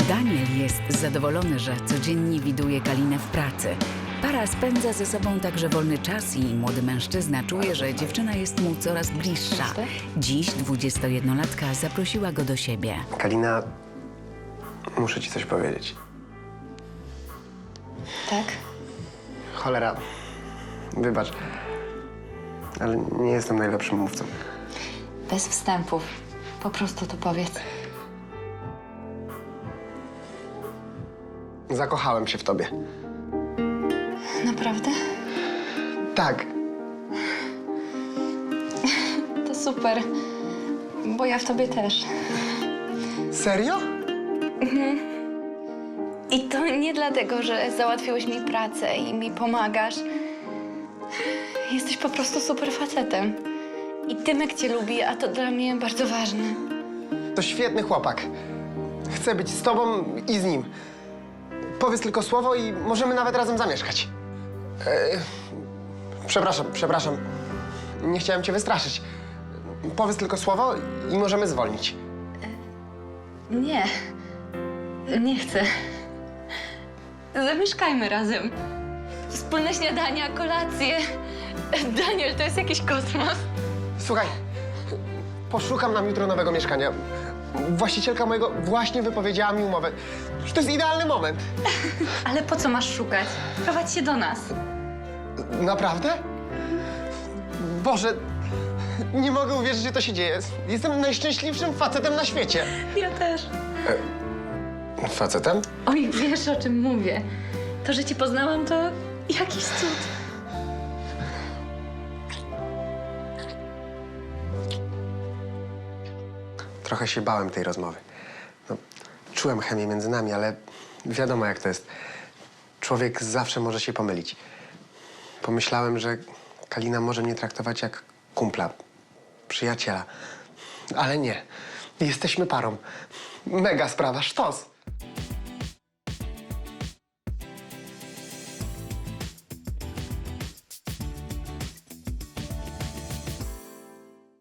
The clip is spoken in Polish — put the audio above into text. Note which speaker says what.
Speaker 1: Daniel jest zadowolony, że codziennie widuje Kalinę w pracy. Para spędza ze sobą także wolny czas i młody mężczyzna czuje, że dziewczyna jest mu coraz bliższa. Dziś 21-latka zaprosiła go do siebie.
Speaker 2: Kalina, muszę ci coś powiedzieć.
Speaker 3: Tak?
Speaker 2: Cholera, wybacz, ale nie jestem najlepszym mówcą.
Speaker 3: Bez wstępów. Po prostu to powiedz.
Speaker 2: Zakochałem się w tobie.
Speaker 3: Naprawdę?
Speaker 2: Tak,
Speaker 3: To super. Bo ja w tobie też.
Speaker 2: serio?
Speaker 3: I to nie dlatego, że załatwiłeś mi pracę i mi pomagasz. Jesteś po prostu super facetem. I Tymek cię lubi, a to dla mnie bardzo ważne.
Speaker 2: To świetny chłopak. Chcę być z tobą i z nim. Powiedz tylko słowo i możemy nawet razem zamieszkać. Przepraszam. Nie chciałem cię wystraszyć. Powiedz tylko słowo i możemy zwolnić.
Speaker 3: Nie. Nie chcę. Zamieszkajmy razem. Wspólne śniadania, kolacje. Daniel, to jest jakiś kosmos.
Speaker 2: Słuchaj, poszukam nam jutro nowego mieszkania. Właścicielka mojego właśnie wypowiedziała mi umowę. Że to jest idealny moment.
Speaker 3: Ale po co masz szukać? Prowadź się do nas.
Speaker 2: Naprawdę? Boże, nie mogę uwierzyć, że to się dzieje. Jestem najszczęśliwszym facetem na świecie.
Speaker 3: Ja też.
Speaker 2: Facetem?
Speaker 3: Oj, wiesz, o czym mówię. To, że cię poznałam, to jakiś cud.
Speaker 2: Trochę się bałem tej rozmowy. No, czułem chemię między nami, ale wiadomo jak to jest. Człowiek zawsze może się pomylić. Pomyślałem, że Kalina może mnie traktować jak kumpla, przyjaciela. Ale nie. Jesteśmy parą. Mega sprawa, sztos.